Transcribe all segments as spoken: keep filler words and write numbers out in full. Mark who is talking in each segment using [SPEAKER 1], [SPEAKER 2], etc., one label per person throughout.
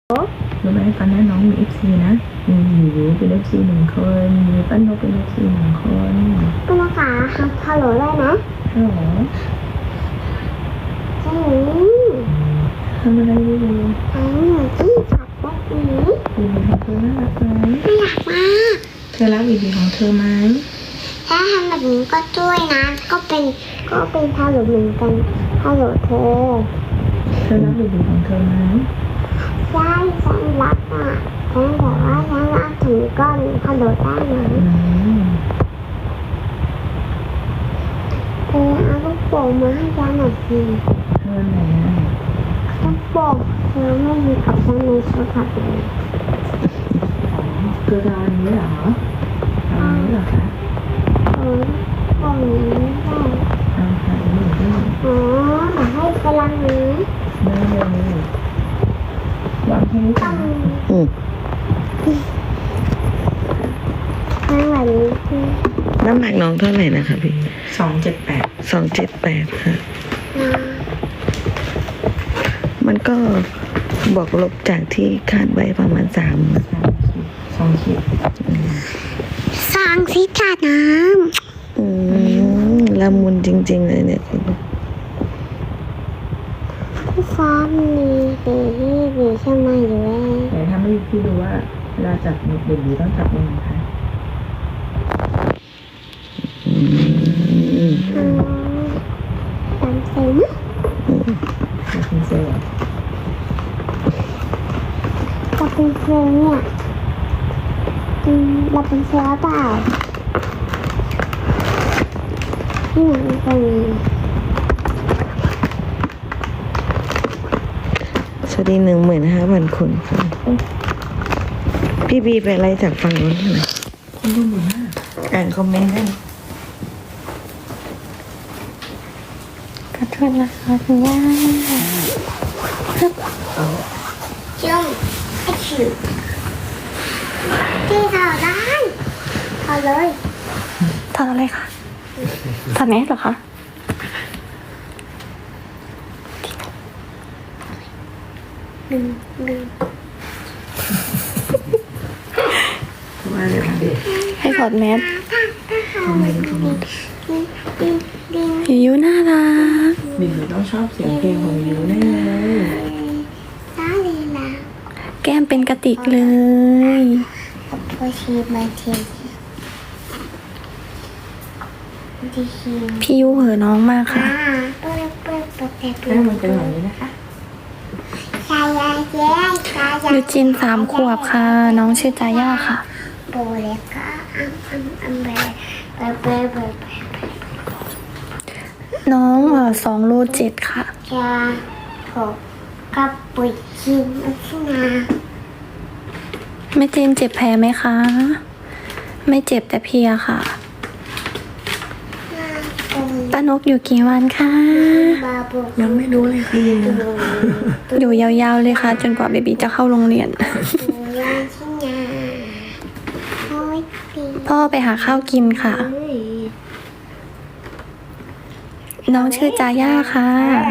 [SPEAKER 1] รู้ไหมตอนนี้น้องมีเอฟซีนะมีอยู่เป็นเอฟซีหนึ่งคนมีปั้นนกเป็นเอฟซีหนึ่งคน
[SPEAKER 2] ปั้นนกค่ะฮัลโหลได้นะ
[SPEAKER 1] ฮัลโหล
[SPEAKER 2] ใช่
[SPEAKER 1] ทำอะไรอยู่
[SPEAKER 2] ทำหนูที่ขับรถนี้
[SPEAKER 1] บีบีของเธอน่ารักไหม
[SPEAKER 2] ไม่อยากมา
[SPEAKER 1] เธอรักบีบีของเธอไหม
[SPEAKER 2] ถ้าทำแบบนี้ก็ช่วยนะก็เป็นก็เป็นฮัลโหลเหมือนกันฮัลโหลเธอ
[SPEAKER 1] เธอรักบีบีของเธอไหม
[SPEAKER 2] ใช่ฉันรักอ่ะฉันบอกว่าฉันรักถึงก้อนฮัลโหลได้ไหมเธอเอาลูกโป่งมาให้ฉันหน่อยสิ
[SPEAKER 1] เธอไหนอ่ะ
[SPEAKER 2] ลูกโป่งเธอไม่มีกับฉันในโทรศัพท์เลย
[SPEAKER 1] คือตอนนี้เหรอตอนนี้เหรอคะ
[SPEAKER 2] เออโป่งนี้ได้
[SPEAKER 1] เอาค่ะนี่ได้
[SPEAKER 2] อ๋อมาให้พลังนี้
[SPEAKER 1] ได้เลยวางแค่นี้ก่อนอืม
[SPEAKER 2] ข้างหลังนี้
[SPEAKER 3] น้ำหนักน้องเท่าไหร่นะคะพี่
[SPEAKER 1] สองเจ็ดแปด
[SPEAKER 3] สองเจ็ดแปดค่ะมันก็บวกลบจากที่คาดไว้ประมาณสาม
[SPEAKER 1] สองขีด
[SPEAKER 2] สองขีดขาดน้
[SPEAKER 3] ำอืมละมุนจริงๆเลยเนี่ยคุณ
[SPEAKER 2] พี่ฟ้ามีดีดีใช่ไหมอยู่แล้ว
[SPEAKER 1] แต่ถ้าไม่พี่ดูว่าเวลาจับเด็กๆต้องจับยังไงคะ
[SPEAKER 2] อืมตามเซน
[SPEAKER 1] จับเป็นเซลล์
[SPEAKER 2] จับเป็นเซลเนี่ยอืมเราเป็นเซลเปล่าที่ไหนเป็น
[SPEAKER 3] สวัสดีหนึ่งหมื่นห้าพันคนค่ะพี่บีไปอะไรจากฝั่งนู้นหน่อย
[SPEAKER 1] คนดูหมื่นห้า
[SPEAKER 3] อ่านคอมเมนต์ได้
[SPEAKER 2] ขอโทษนะคะคุณย่าจุ่มไอ้ชิวที่ถอดได้ถอดเลย
[SPEAKER 4] ถอดอะไรคะถอดแมสเหรอคะ
[SPEAKER 2] ลืมลืม
[SPEAKER 1] ว่าเลยค่ะ
[SPEAKER 4] ให้ถอดแมส
[SPEAKER 1] ทำไมทำไม
[SPEAKER 4] ยูยูน่ารัก
[SPEAKER 1] บิวต้องชอบเสียงเพลงของยูแน่เลย
[SPEAKER 4] แก้มเป็นกระติกเลย
[SPEAKER 2] พอชีมาเทียน
[SPEAKER 4] พี่ยูเหอะน้องมากค่ะ
[SPEAKER 1] แม่มันเป็นแบบนี้นะคะ
[SPEAKER 4] ยูจินสามขวบค่ะ น้องชื่อจาย่าค่ะน้องเออสองโลเจ็ดค่ะ
[SPEAKER 2] จะหกกับปุ๋ยชินอัชนา
[SPEAKER 4] แม่เจนเจ็บแผลไหมคะไม่เจ็บแต่เพลียค่ะป้านกอยู่กี่วันคะ
[SPEAKER 1] ยังไม่รู้เลยค่ะ
[SPEAKER 4] อยู่ยาวๆเลยค่ะจนกว่าเบบีจะเข้าโรงเรียนพ่อไปหาข้าวกินค่ะน้องชื่อจาย่าค่ะ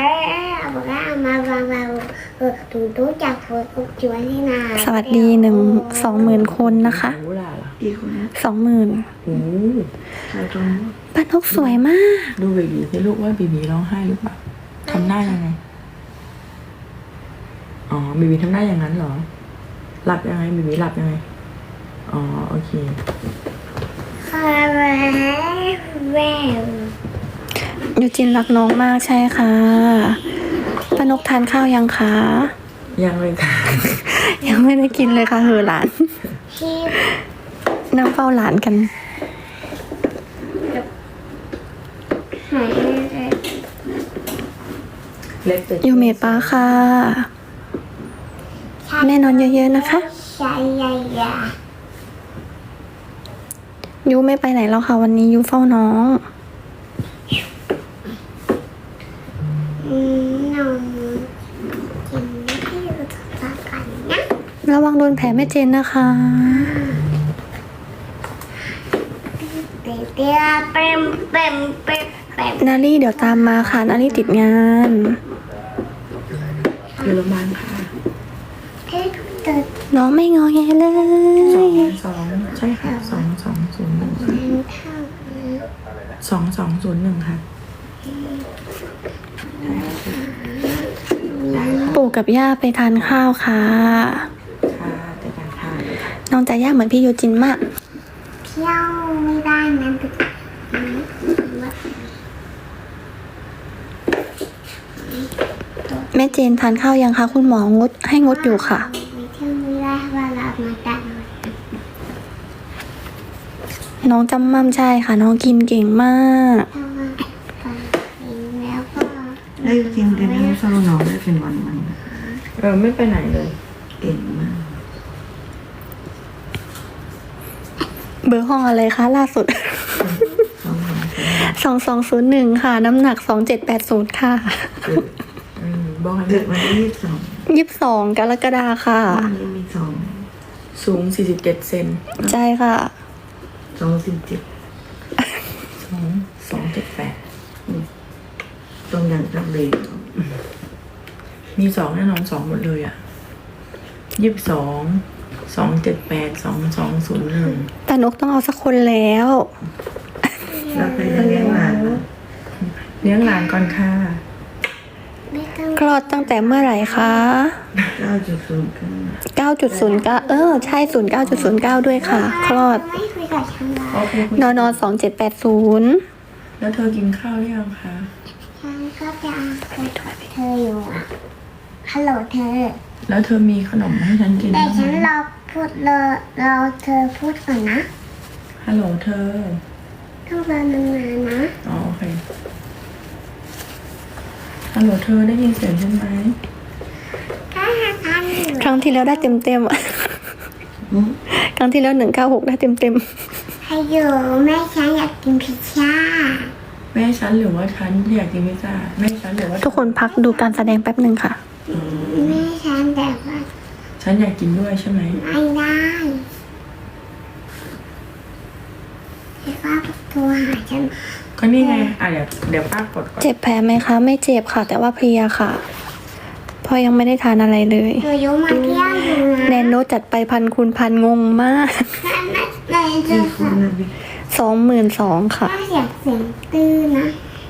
[SPEAKER 4] สวัสดีหนึ่งสองหมื่นคนนะคะสองหมื่นป้านกสวยมาก
[SPEAKER 1] ดูเบบีให้ลูกว่าเบบีร้องไห้หรือเปล่าทำหน้ายังไงอ๋อเบบีทำหน้าอย่างนั้นเหรอหลับยังไงเบบีหลับยังไงอ๋อโอเค
[SPEAKER 4] ยูจินรักน้องมากใช่ค่ะป้านกทานข้าวยังคะ
[SPEAKER 1] ยังเลยค่ะ
[SPEAKER 4] ยังไม่ได้กินเลยค่ะเหอหลานนั่งเฝ้าหลานกันยูเมดป้าค่ะแม่นอนเยอะๆนะคะยูไม่ไปไหนแล้วค่ะวันนี้ยูเฝ้าน้องระวังโดนแผลแม่เจนนะคะนาลี่เดี๋ยวตามมาค่ะนาลี่ติดงาน
[SPEAKER 1] อยู่โรงพยาบาลค่ะ
[SPEAKER 2] เทเกิด
[SPEAKER 4] น้องไม่งอแงเล
[SPEAKER 1] สอง
[SPEAKER 4] ย
[SPEAKER 1] สองใช่ค่ะสองสองศูนย์หนึ่ง
[SPEAKER 2] เท่า
[SPEAKER 1] สองสองศูนย์หนึ่งค่ะ
[SPEAKER 4] ปู่กับย่าไปทานข้าวค่ะ
[SPEAKER 1] ค่ะแต่การทาน
[SPEAKER 4] น้องจะย่าเหมือนพี่ยูจินมาก
[SPEAKER 2] เที่ยวไม่ได้นะแต่
[SPEAKER 4] แม่เจนทานข้าวยังคะคุณหมองดให้งดอยู่ค่ะ
[SPEAKER 2] ไม่เที่ยวไม่ได้เพราะเรามาตัด
[SPEAKER 4] น้องจำมั่มใช่ค่ะ น้องกินเก่งมาก
[SPEAKER 2] เพราะว่าไปแล้วก็
[SPEAKER 3] ได้จริงแต่ไม่เศร้าน้องได้เป็นวันมัน
[SPEAKER 1] เออไม่ไปไหนเลย
[SPEAKER 3] เก่งมาก
[SPEAKER 4] เบอร์ห้องอะไรคะล่าสุด
[SPEAKER 3] สองสอง
[SPEAKER 4] สองสองศูนย์หนึ่งค่ะ น้ำหนักสองเจ็ดแปดศูนย์ค่ะ
[SPEAKER 1] อืมบอกให้
[SPEAKER 3] เกิดวันที่ยี่สิบสอง
[SPEAKER 4] ยี่สิบสองกรกฎาค่ะ
[SPEAKER 3] วันนี้มีสอง
[SPEAKER 1] สูงสี่สิบเจ็ดเซน
[SPEAKER 4] ใช่ค่ะ
[SPEAKER 3] สองสิบเจ็ด
[SPEAKER 1] สองสองเจ็ดแปด
[SPEAKER 3] ตรงอย่างจังเลย
[SPEAKER 1] มีสองแน่นอนสองหมดเลยอ่ะยี่สิบสองสองเจ็ดแปดสองสองศูนย์หนึ่ง
[SPEAKER 4] แต่นกต้องเอาสักคนแล้ว
[SPEAKER 3] แล้วเคยจะเลี้ยงหลานไหม
[SPEAKER 1] เลี้ยงหลานก่อนค่ะ
[SPEAKER 2] ไม่ต้อง
[SPEAKER 4] คลอดตั้งแต่เมื่อไหร่คะ
[SPEAKER 3] เก้าจุดศูนย์เก้า
[SPEAKER 4] เก้าจุดศูนย์เก้า เออ ใช่ ศูนย์เก้าจุดศูนย์เก้า ด้วยค่ะ คลอด
[SPEAKER 2] ไม่คุยกับฉันเลย
[SPEAKER 1] โอเคคุย
[SPEAKER 4] นอนสองเจ็ดแปดศูนย์
[SPEAKER 1] แล้วเธอกินข้าวหรือยังคะ
[SPEAKER 2] ฉันก็จะคุยกับเธออยู่อะฮัลโหลเธอ
[SPEAKER 1] แล้วเธอมีขนมให้ฉันกิน
[SPEAKER 2] แต่
[SPEAKER 1] บ้าง
[SPEAKER 2] ฉัน
[SPEAKER 1] ไหม
[SPEAKER 2] รอพูดรอรอเธอพูดก่อนนะ
[SPEAKER 1] ฮัลโหลเธอ
[SPEAKER 2] ต้องรอนานๆนะ
[SPEAKER 1] อ๋อโอเคฮัลโหลเธอได้ยินเสียงฉันไหม
[SPEAKER 2] ถ้าหากอันอยู่
[SPEAKER 4] ครั้งที่แล้วได้เต็มเต็มๆอะ
[SPEAKER 3] อืม
[SPEAKER 4] ครั้งที่แล้วหนึ่งเก้าหกได้เต็มเต็ม
[SPEAKER 2] ให้อยู่แม่ฉันอยากกินพิซซ่า
[SPEAKER 1] แม่ฉันหรือว่าฉันอยากกินพิซซ่าแม่ฉันหรือว่า
[SPEAKER 4] ๆทุกคนพักดูการแสดงแป๊บหนึ่งค่ะ
[SPEAKER 2] แม่ฉันแต่ว่า
[SPEAKER 1] ฉันอยากกินด้วยใช่ไหม
[SPEAKER 2] ไม่ได้แต่ว่าโทรหาฉัน
[SPEAKER 1] ก็นี่ไงอ่ะเดี๋ยวเดี๋ยวป้ากดก่อน
[SPEAKER 4] เจ็บแผลไหมคะ ไม่เจ็บค่ะ แต่ว่าเพลียค่ะเพราะยังไม่ได้ทานอะไรเลย
[SPEAKER 2] หนูยุมาเที่ยวอยู่นะ
[SPEAKER 4] แนนโนจัดไปพันคูณพันงงมาก
[SPEAKER 2] แม่จะ
[SPEAKER 3] ที่คุณนะพี่
[SPEAKER 4] สองหมื่นสองค่ะ
[SPEAKER 2] ถ้าเสียงเสียงตื้อนะ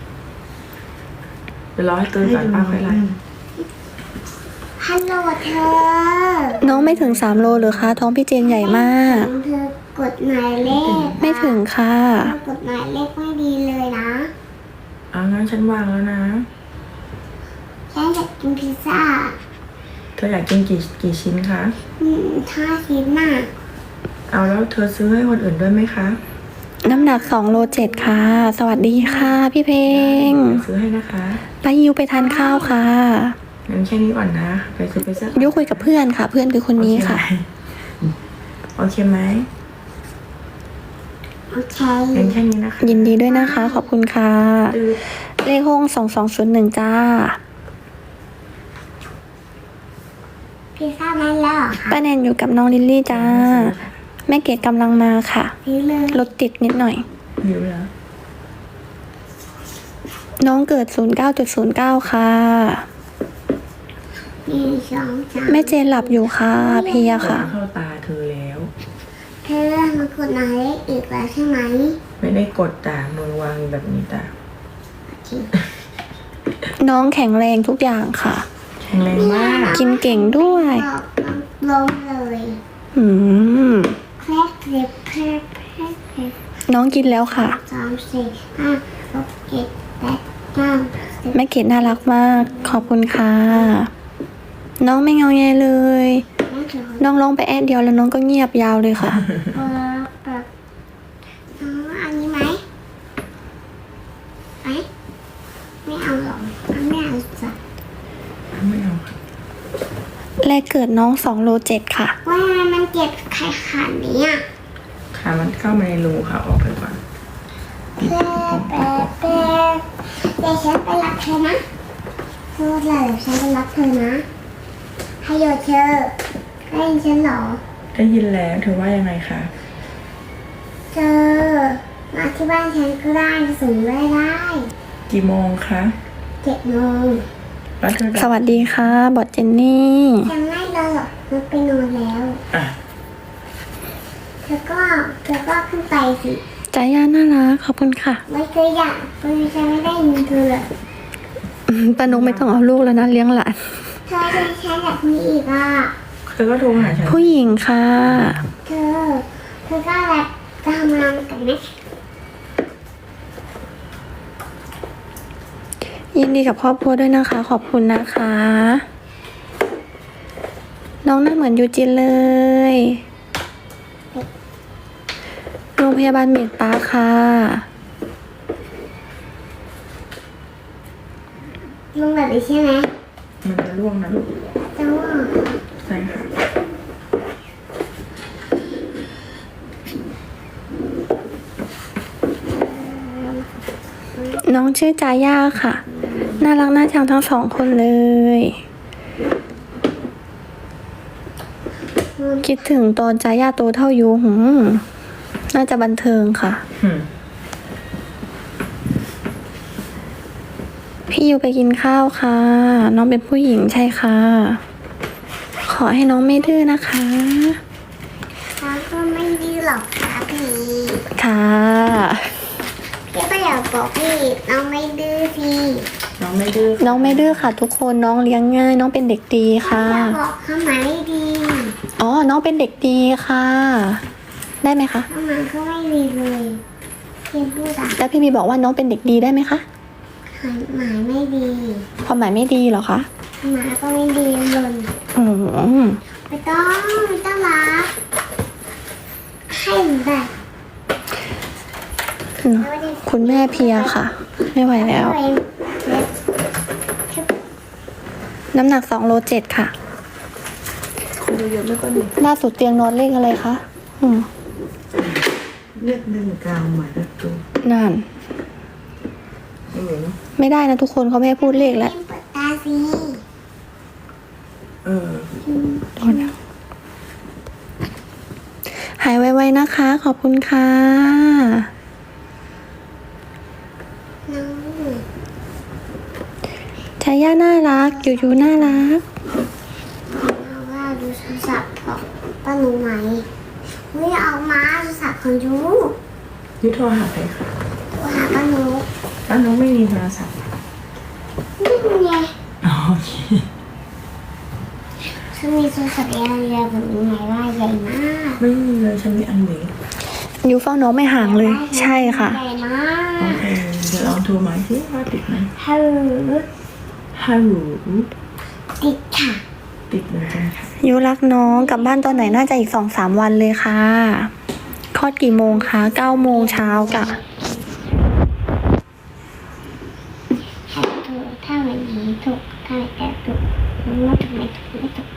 [SPEAKER 1] เดี๋ยวรอให้ตื่นก่อนป้าค่อยไล่
[SPEAKER 2] ฮัลโหลเธอ
[SPEAKER 4] น้องไม่ถึงสามโลหรือคะ ท้องพี่เจนใหญ่มาก
[SPEAKER 2] เธอกดหมายเลข
[SPEAKER 4] ไม่ถึงค่ะ
[SPEAKER 2] เธอกดหมายเลขไม่ดีเลยนะ
[SPEAKER 1] อ่ะงั้นฉันวางแล้วนะ
[SPEAKER 2] ฉันอยากกินพิซซ่า
[SPEAKER 1] เธออยากกินกี่กี่ชิ้นคะ
[SPEAKER 2] อืมถ้าชิ้นน่ะ
[SPEAKER 1] เอาแล้วเธอซื้อให้คนอื่นด้วยไหมคะ
[SPEAKER 4] น้ำหนักสองโลเจ็ดค่ะ สวัสดีค่ะพี่เพลง
[SPEAKER 1] เดี๋ยวซื้อให้นะคะ
[SPEAKER 4] ไปยิวไปทานข้าวค่ะ
[SPEAKER 1] งั้นแค่นี้ก่อนนะ ไปซื้อไปซื้อ
[SPEAKER 4] ยุคุยกับเพื่อนค่ะ เพื่อนคือคนนี้ค่ะ
[SPEAKER 1] โอเคไหม
[SPEAKER 2] โอเค
[SPEAKER 1] งั้นแค่นี้นะคะ
[SPEAKER 4] ยินดีด้วยนะคะ ขอบคุณค่ะ
[SPEAKER 1] ตื้อ
[SPEAKER 4] เลขห้องสองสองศูนย์หนึ่งจ้า
[SPEAKER 2] พิซซ่ามาแล้วเหรอคะ
[SPEAKER 4] ป้าแนนอยู่กับน้องลิลลี่จ้า แม่เกดกำลังมาค่ะ
[SPEAKER 2] ซื้อเลย
[SPEAKER 4] รถติดนิดหน่อย
[SPEAKER 1] หิวเหรอ
[SPEAKER 4] น้องเกิดศูนย์เก้าจุดศูนย์เก้าค่ะ
[SPEAKER 2] หนึ่งสองสาม
[SPEAKER 4] แม่เจนหลับอยู่ค่ะเพลียค่ะ
[SPEAKER 1] เข้าตาเธอแล้ว
[SPEAKER 2] เธอมากดหมายเลขอีกแล้วใช่ไหม
[SPEAKER 1] ไม่ได้กดตามือวางอยู่แบบนี้ตา
[SPEAKER 4] น้องแข็งแรงทุกอย่างค่ะ
[SPEAKER 1] แข็งแรงมาก
[SPEAKER 4] กินเก่งด้วย
[SPEAKER 2] บอกล้มเลย
[SPEAKER 4] อืม
[SPEAKER 2] แคลกเล็บแคลกแคลกแคลก
[SPEAKER 4] น้องกินแล้วค่ะ
[SPEAKER 2] สามสี่ห้าหกเจ็ดแปดเก้าสิบ
[SPEAKER 4] แม่เกดน่ารักมาก ขอบคุณค่ะ น้องไม่เงาแงเลย
[SPEAKER 2] นั่นคือ
[SPEAKER 4] น้องร้องไปแอดเดียวแล้วน้องก็เงียบยาวเลยค่ะ
[SPEAKER 2] เปิดเปิดน้องเอาอันนี้ไหมไหมไม่เอาหรอกไม่เอาจ้ะ
[SPEAKER 1] ไม่เอาค่ะ
[SPEAKER 4] แรกเกิดน้องสองโลเจ็ดค่ะ
[SPEAKER 2] ว่ามันเจ็บไข้ขานี้อ่ะ
[SPEAKER 1] ขามันเข้ามาในรูค่ะ ออกไปก่อน
[SPEAKER 2] แป๊บแป๊บแป๊บเดี๋ยวฉันไปรับเธอนะพูดเลยเดี๋ยวฉันไปรับเธอนะให้โยเธอได้ยินฉันเหรอ
[SPEAKER 1] ได้ยินแล้วเธอว่ายังไงคะ
[SPEAKER 2] เธอมาที่บ้านฉันก็ได้สูงได้ได้
[SPEAKER 1] กี่โมงคะ
[SPEAKER 2] เจ็ดโมง
[SPEAKER 1] แล้วเธอจะ
[SPEAKER 4] สวัสดีค่ะ บอดเจนนี่
[SPEAKER 2] ยังไม่เลยหรอกมันไปนอนแล้ว
[SPEAKER 1] อ่ะ
[SPEAKER 2] เธอก็เธอก็ขึ้นไปสิ
[SPEAKER 4] ใจย่าน่ารักขอบคุณค่ะ
[SPEAKER 2] ไม่เคยอยากไม่ใช่ไม่ได้ยินเธอเลย
[SPEAKER 4] อืมป้านกไม่ต้องเอาลูกแล้วนะเลี้ยงหลาน
[SPEAKER 2] เธอจะใช้แบบนี้อีกอ่ะ
[SPEAKER 1] เธอก็โทรหาฉัน
[SPEAKER 4] ผู้หญิงค่ะ
[SPEAKER 2] เธอ เธอก็แบบจะทำงานกันไหม
[SPEAKER 4] ยินดีกับครอบครัวด้วยนะคะ ขอบคุณนะคะ น้องหน้าเหมือนยูจินเลย โรงพยาบาลเมดปาร์คค่ะ
[SPEAKER 2] ลงแบบนี้ใช่ไหม
[SPEAKER 1] มันจะร่วงนะลูก
[SPEAKER 2] แต่ว่า
[SPEAKER 1] ใช่ค่ะ
[SPEAKER 4] น้องชื่อจาย่าค่ะ น่ารักน่าชังทั้งสองคนเลย คิดถึงตอนจาย่าโตเท่ายูหืมน่าจะบันเทิงค่ะ
[SPEAKER 1] อืม
[SPEAKER 4] พี่ยูไปกินข้าวค่ะ น้องเป็นผู้หญิงใช่ค่ะ ขอให้น้องไม่ดื้อนะคะ
[SPEAKER 2] เขาก็ไม่ดีหรอกครับพี่
[SPEAKER 4] ค่ะ
[SPEAKER 2] พี่ก็อยากบอกพี่น้องไม่ดื้อพี่
[SPEAKER 1] น้องไม่ดื้อ
[SPEAKER 4] น้องไม่ดื้อค่ะทุกคนน้องเลี้ยงง่าย น้องเป็นเด็กดีค่ะ
[SPEAKER 2] อยากบอกเขาไหมดี
[SPEAKER 4] อ๋อ น้องเป็นเด็กดีค่ะ ได้ไหมคะ
[SPEAKER 2] เขามันก็ไม่ดีเลยพี่พูดอะ
[SPEAKER 4] แล้วพี่บีบอกว่าน้องเป็นเด็กดีได้ไหมคะ
[SPEAKER 2] หมายไม่ดี
[SPEAKER 4] ความหมายไม่ดีเหรอคะ
[SPEAKER 2] หมาก็ไม่ดีเลย
[SPEAKER 4] อืม
[SPEAKER 2] ไม่ต้องไม่ต้องรักให้แบบ
[SPEAKER 4] คุณแม่เพลียค่ะ ไม่ไหวแล้ว น้ำหนักสองโลเจ็ดค่ะ
[SPEAKER 1] คนเยอะๆไม่ก็ดี
[SPEAKER 4] ล่าสุดเตียงนอนเลขอะไรคะอืม
[SPEAKER 1] เลือดหนึ่งกลางหมายเลขตัว
[SPEAKER 4] นั่น
[SPEAKER 1] เออเนอะ
[SPEAKER 4] ไม่ได้นะทุกคนเขาไม่ให้พูดเลขแล้ว
[SPEAKER 2] เปิดตาสิ
[SPEAKER 1] เออ
[SPEAKER 4] โทษนะหายไวๆนะคะ ขอบคุณค่ะ
[SPEAKER 2] น้อง
[SPEAKER 4] ชาย่าน่ารัก ยูยูน่ารัก
[SPEAKER 2] เอาว่าดูโทรศัพท์ของป้าหนูไหมไม่เอามาโทรศัพท์ของยู
[SPEAKER 1] ยุทธโทรหาใครคะ
[SPEAKER 2] โทรหาป้าหนู
[SPEAKER 1] อ้าวน้องไม่มีโทรศัพท์
[SPEAKER 2] นี่ไง
[SPEAKER 1] อ๋อโอเค
[SPEAKER 2] ฉันมีโทรศัพท์ยาวๆแบบนี้ไงว่าใหญ่มาก
[SPEAKER 1] ไม่มีเลยฉันมีอันนี้
[SPEAKER 4] ยูเฝ้าน้องไม่ห่างเลย ใช่ค่ะ
[SPEAKER 2] ใหญ่มา
[SPEAKER 1] โอก เคเดี๋ยวลองโทรมาสิว่าติดไหม
[SPEAKER 2] ฮัลโหล
[SPEAKER 1] ฮัลโหล
[SPEAKER 2] ติดค่ะ
[SPEAKER 1] ติดเหมือนกันค่ะ
[SPEAKER 4] ยูรักน้องกลับบ้านตอนไหนน่าจะอีกสองสามวันเลยค่ะคลอดกี่โมงคะเก้าโมงเช้ากะ
[SPEAKER 2] ถ้าถูกถ้าไม่ดีถูกถ้าไม่แอบถูกไม่ถูกไม่ถูกไม่ถูก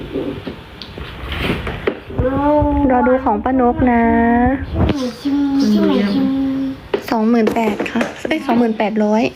[SPEAKER 4] รอดูของป้านกนะ
[SPEAKER 2] ชิมชิมชิมชิม
[SPEAKER 4] สองหมื่นแปดค่ะเอ้ยสองหมื่นแปดร้อย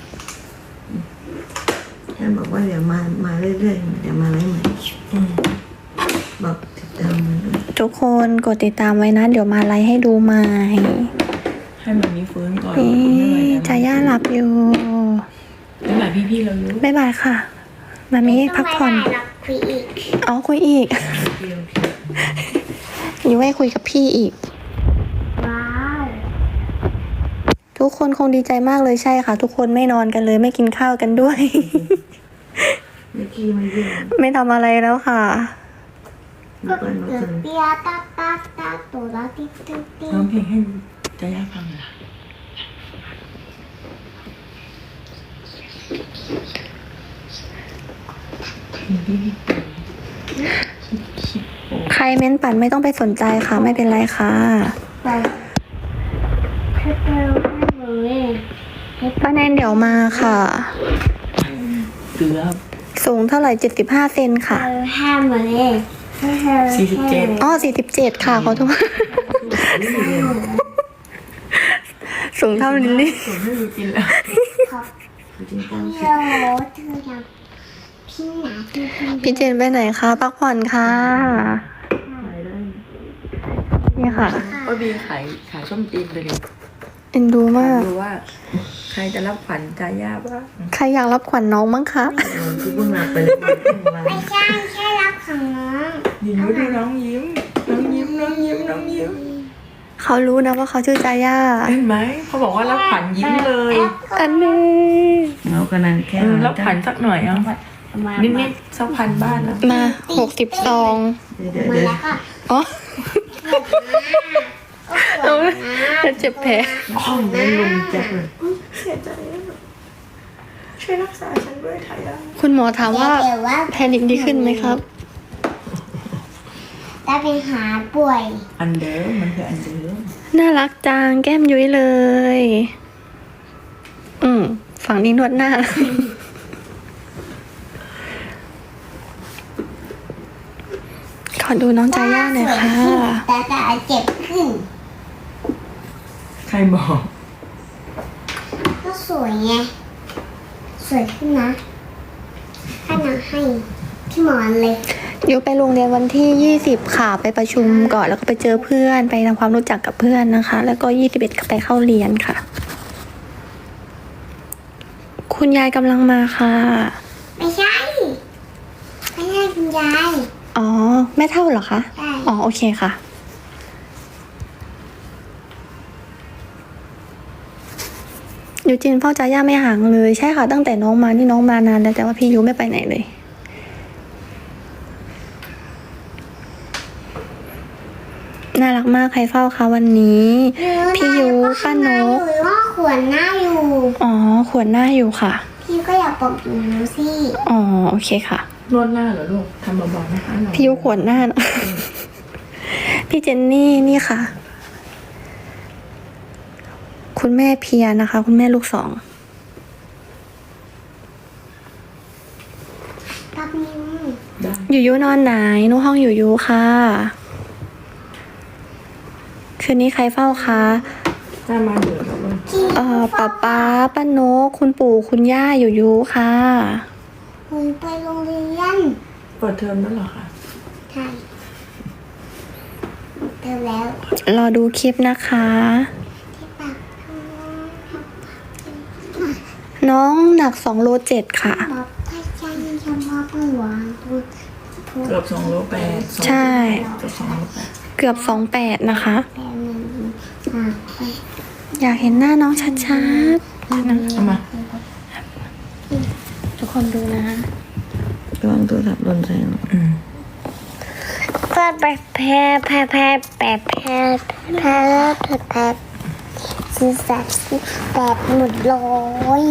[SPEAKER 3] แค่บอกว่าเดี๋ยวมา มาเรื่อยๆ เดี๋ยวมาไล่ใหม่
[SPEAKER 1] อืม
[SPEAKER 3] บอกติดตามมาด้วย
[SPEAKER 4] ทุกคนกดติดตามไว้นะ เดี๋ยวมาไลฟ์ให้ดูใหม่
[SPEAKER 1] ให้มันมีฟื้นก่อน
[SPEAKER 4] นี่
[SPEAKER 1] ไม่ไหวแล้ว
[SPEAKER 4] จาย่าหลับอยู่
[SPEAKER 1] ไม่ไหวพี่ๆเราเยอะ
[SPEAKER 4] บ๊ายบายค่ะ มามีพักผ่อน
[SPEAKER 2] ไม่ได้หรอกคุยอีก
[SPEAKER 4] อ๋อคุยอีก
[SPEAKER 1] เดียว
[SPEAKER 4] อยู่ให้คุยกับพี่อีก
[SPEAKER 2] ว้าว
[SPEAKER 4] ทุกคนคงดีใจมากเลยใช่ค่ะ ทุกคนไม่นอนกันเลยไม่กินข้าวกันด้วย
[SPEAKER 3] เมื่อกี้มาเยี่ยม
[SPEAKER 4] ไม่ทำอะไรแล้วค่ะ
[SPEAKER 3] มีเปิ้ลมา
[SPEAKER 2] เกิ
[SPEAKER 3] เจ
[SPEAKER 2] ด
[SPEAKER 3] อ
[SPEAKER 2] เปียตาตาตาตัวละติ๊กติ๊กติ๊ก
[SPEAKER 1] ร้องเพลงให้จะยากฟังเหรอพี่พี่
[SPEAKER 4] ใครเม้นปั่นไม่ต้องไปสนใจค่ะ ไม่เป็นไรค่ะ
[SPEAKER 2] ไปเธอเจอให้เลย
[SPEAKER 4] ป้าแนนเดี๋ยวมาค่ะ
[SPEAKER 1] เกือบ
[SPEAKER 4] สูงเท่าไหร่เจ็ดสิบห้าเซน
[SPEAKER 2] เธ
[SPEAKER 4] ค่ะ
[SPEAKER 2] อห้ามเลยเธอ
[SPEAKER 1] สี่สิบเจ็ด
[SPEAKER 4] อ๋อสี่สิบเจ็ดค่ะขอโทษ สูงเท่าลิลลี่
[SPEAKER 1] ผมไม่รู้กินแล้ว
[SPEAKER 2] ขอบ
[SPEAKER 3] จริงๆตั้ง
[SPEAKER 2] พี่โรเธออยากพี่หนาพี่พี่
[SPEAKER 4] พี่เจนไปไหนคะพักผ่อนค่ะ
[SPEAKER 3] ขายได้
[SPEAKER 4] นี่ค่ะ
[SPEAKER 1] ว่าบีขายขายส้มจีนเลยดิ
[SPEAKER 4] เอ็นดูมาก
[SPEAKER 1] ดูว่า ใครจะรับขวัญจาย่าบ้าง
[SPEAKER 4] ใครอยากรับขวัญน้องมั้งคะ
[SPEAKER 3] เออที่เพิ่งมาไปเลยวันเพิ่งมา
[SPEAKER 2] ไม่ใช่แค่รับของน้อง
[SPEAKER 1] ยิ้มดูน้องยิ้ม น้องยิ้ม น้องยิ้ม น้องยิ้ม
[SPEAKER 4] เขารู้นะว่าเขาชื่อจาย่า
[SPEAKER 1] เห็นไหมเขาบอกว่ารับขวัญยิ้มเลย
[SPEAKER 4] อันนี้
[SPEAKER 3] เอากระนังแค่
[SPEAKER 1] เออรับขวัญสักหน่อยเอานิดๆสักพันบ้านนะ
[SPEAKER 4] มาหกสิบซอง
[SPEAKER 3] เดี๋ยว
[SPEAKER 2] มา
[SPEAKER 3] เดี๋ยว
[SPEAKER 2] แล้วก็
[SPEAKER 4] อ๋อ
[SPEAKER 2] เอา
[SPEAKER 4] จะเจ็บแผล
[SPEAKER 3] ห้องนั้นลุงแจ็คเลย
[SPEAKER 1] เสียใจอะช่วยรักษาฉันด้วยไทยได้
[SPEAKER 4] คุณหมอถามว่า
[SPEAKER 2] เดี๋ยวว่า
[SPEAKER 4] แพนิคดีขึ้นไหมครับ
[SPEAKER 2] ถ้าเป็นหาป่วย
[SPEAKER 1] อันเดิมมันคืออันเดิม
[SPEAKER 4] น่ารักจังแก้มยุ้ยเลย อืมฝั่งนี้นวดหน้า ขอดูน้องจาย่าหน่อยค่ะ
[SPEAKER 2] แต่แต่เจ็บขึ้น
[SPEAKER 1] ใครบอก
[SPEAKER 2] ก็สวยไง สวยขึ้นนะถ้านาให้พี่หมอนเลย
[SPEAKER 4] ยุ้ยไปโรงเรียนวันที่ยี่สิบค่ะ ไปประชุมก่อนแล้วก็ไปเจอเพื่อน ไปทำความรู้จักกับเพื่อนนะคะ แล้วก็ยี่สิบเอ็ดก็ไปเข้าเรียนค่ะ คุณยายกำลังมาค่ะ
[SPEAKER 2] ไม่ใช่ ไม่ใช่คุณยาย
[SPEAKER 4] อ๋อ แม่เท่าเหรอคะ
[SPEAKER 2] ใช่
[SPEAKER 4] อ๋อ โอเคค่ะ ยูจินเฝ้าจาย่าไม่ห่างเลย ใช่ค่ะ ตั้งแต่น้องมานี่น้องมานานแล้วแต่ว่าพี่ยูไม่ไปไหนเลย น่ารักมากใครเฝ้าคะวันนี้ พี่ยูป้านก
[SPEAKER 2] หรือว่าขวนหน้าอยู่
[SPEAKER 4] อ๋อ ขวนหน้าอยู่ค่ะ
[SPEAKER 2] พี่ก็อยากปกอยู่สิ
[SPEAKER 4] อ๋อ โอเคค่ะ
[SPEAKER 1] นวดหน้าเหรอลูกทำเบาๆนะคะเรา
[SPEAKER 4] พี่ยูขวนหน้านะ พี่เจนนี่นี่ค่ะ คุณแม่เพียนะคะ คุณแม่ลูกสอง
[SPEAKER 2] กับนิ้ว
[SPEAKER 1] ได้
[SPEAKER 4] อยู่ยูนอนไหนนูห้องอยู่ยูค่ะ คืนนี้ใครเฝ้าคะ
[SPEAKER 1] ถ้ามาเดือดแล้วลูก
[SPEAKER 4] เอ่อป้าป้าป้านกคุณปู่คุณย่าอยู่ยูค่ะ
[SPEAKER 2] คุณไปโรงเรียน
[SPEAKER 1] เปิดเทอมแล้วเหรอคะ
[SPEAKER 2] ใช่เติมแล้ว
[SPEAKER 4] รอดูคลิปนะคะ
[SPEAKER 2] ที่ปาก
[SPEAKER 4] น้องหนักสองโลเจ็ดค่ะ
[SPEAKER 2] บอกถ้าใจเฉพาะเปลือกพูดพูด
[SPEAKER 1] เกือบสองโลแปดสอง
[SPEAKER 4] ใช่
[SPEAKER 1] เกือบสองโลแปด
[SPEAKER 4] เกือบสองแปดนะคะ
[SPEAKER 2] แปลหนึ่งอ่ะไป
[SPEAKER 4] อยากเห็นหน้าน้องชัด
[SPEAKER 1] เอามา
[SPEAKER 4] ๆทุกคนดูนะ
[SPEAKER 3] ระวังตัวสับหล่นใส่หนู
[SPEAKER 1] อืม
[SPEAKER 2] แพ้แพ้แพ้แพ้แพ้แพ้แพ้แพ้แพ้แพ้ซื้อสัตว์แบบหมดเลย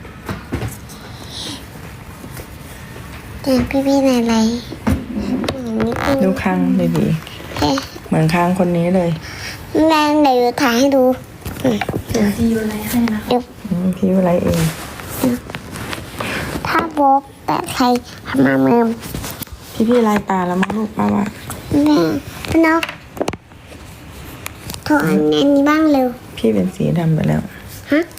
[SPEAKER 2] แต่พี่พี่ไหนไรอย่างนี้ก็
[SPEAKER 1] ดูคางดี
[SPEAKER 2] เอ๊ะ
[SPEAKER 1] ๆเหมือนคางคนนี้เลย
[SPEAKER 2] แม่เดี๋ยวถ่ายให้ดูอืม
[SPEAKER 4] พี่ยูไลให้นะคะ
[SPEAKER 2] เดี๋ยว
[SPEAKER 1] อืมพี่อะไรเอง
[SPEAKER 2] ถ้าบ๊อบแต่ใครทำมาเมือม
[SPEAKER 1] พี่พี่ลายตาแล้วมั้งลูกป้าว่า
[SPEAKER 2] แม่พี่นกโทรอันนี้บ้างเร็ว
[SPEAKER 1] พี่เป็นสีดำไปแล้ว
[SPEAKER 2] ฮะ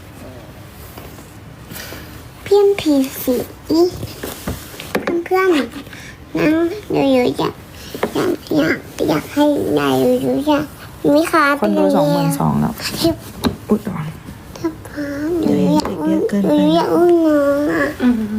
[SPEAKER 2] เพี้ยนผีสีเพื่อนๆนั่งอยู่ๆอยากอยากอยากอยากให้ยายอยู่ๆอยากมิคา
[SPEAKER 1] คนดูสองหมื่นสองแล้ว
[SPEAKER 2] ที่
[SPEAKER 1] อุ๊ยระวัง
[SPEAKER 2] ถ้าพร้อมอยู่ๆอยากอุ้มอยู่ๆอยากอุ้มน้องอ่ะ
[SPEAKER 4] อืม